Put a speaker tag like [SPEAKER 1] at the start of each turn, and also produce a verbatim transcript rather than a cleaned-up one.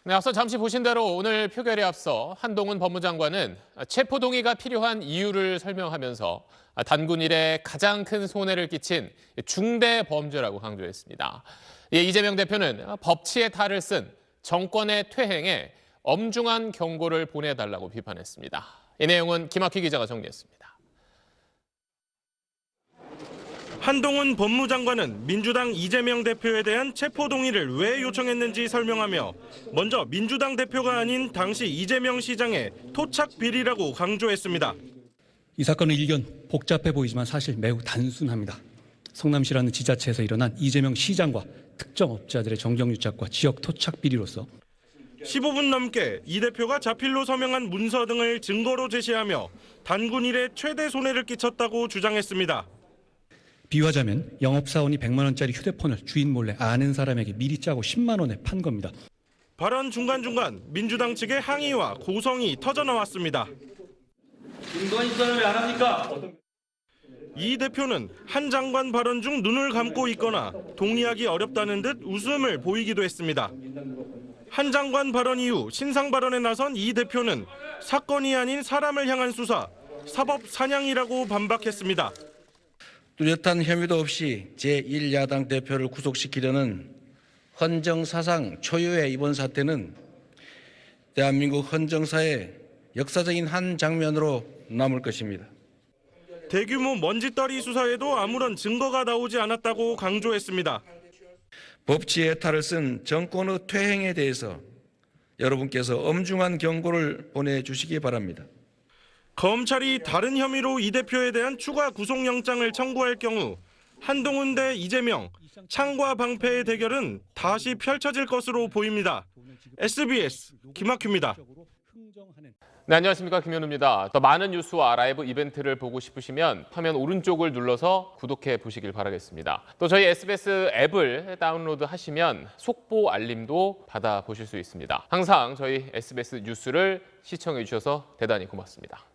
[SPEAKER 1] 네, 앞서 잠시 보신 대로 오늘 표결에 앞서 한동훈 법무장관은 체포동의가 필요한 이유를 설명하면서 단군 일에 가장 큰 손해를 끼친 중대 범죄라고 강조했습니다. 예, 이재명 대표는 법치의 탈을 쓴 정권의 퇴행에 엄중한 경고를 보내달라고 비판했습니다. 이 내용은 김학휘 기자가 정리했습니다.
[SPEAKER 2] 한동훈 법무장관은 민주당 이재명 대표에 대한 체포동의를 왜 요청했는지 설명하며 먼저 민주당 대표가 아닌 당시 이재명 시장의 토착 비리라고 강조했습니다.
[SPEAKER 3] 이 사건의 일견 복잡해 보이지만 사실 매우 단순합니다. 성남시라는 지자체에서 일어난 이재명 시장과 특정 업자들의 정경유착과 지역 토착 비리로서
[SPEAKER 2] 십오 분 넘게 이 대표가 자필로 서명한 문서 등을 증거로 제시하며 단군 일에 최대 손해를 끼쳤다고 주장했습니다.
[SPEAKER 3] 비유하자면 영업사원이 백만 원짜리 휴대폰을 주인 몰래 아는 사람에게 미리 짜고 십만 원에 판 겁니다.
[SPEAKER 2] 발언 중간중간 민주당 측의 항의와 고성이 터져나왔습니다.
[SPEAKER 4] 근거 있어요? 왜 안 합니까?
[SPEAKER 2] 이 대표는 한 장관 발언 중 눈을 감고 있거나 동의하기 어렵다는 듯 웃음을 보이기도 했습니다. 한 장관 발언 이후 신상 발언에 나선 이 대표는 사건이 아닌 사람을 향한 수사, 사법 사냥이라고 반박했습니다.
[SPEAKER 5] 뚜렷한 혐의도 없이 제일 야당 대표를 구속시키려는 헌정사상 초유의 이번 사태는 대한민국 헌정사의 역사적인 한 장면으로 남을 것입니다.
[SPEAKER 2] 대규모 먼지떨이 수사에도 아무런 증거가 나오지 않았다고 강조했습니다.
[SPEAKER 5] 법치의 탈을 쓴 정권의 퇴행에 대해서 여러분께서 엄중한 경고를 보내주시기 바랍니다.
[SPEAKER 2] 검찰이 다른 혐의로 이 대표에 대한 추가 구속영장을 청구할 경우 한동훈 대 이재명, 창과 방패의 대결은 다시 펼쳐질 것으로 보입니다. 에스비에스 김학규입니다.
[SPEAKER 1] 네, 안녕하십니까, 김현우입니다. 더 많은 뉴스와 라이브 이벤트를 보고 싶으시면 화면 오른쪽을 눌러서 구독해 보시길 바라겠습니다. 또 저희 에스비에스 앱을 다운로드 하시면 속보 알림도 받아보실 수 있습니다. 항상 저희 에스비에스 뉴스를 시청해 주셔서 대단히 고맙습니다.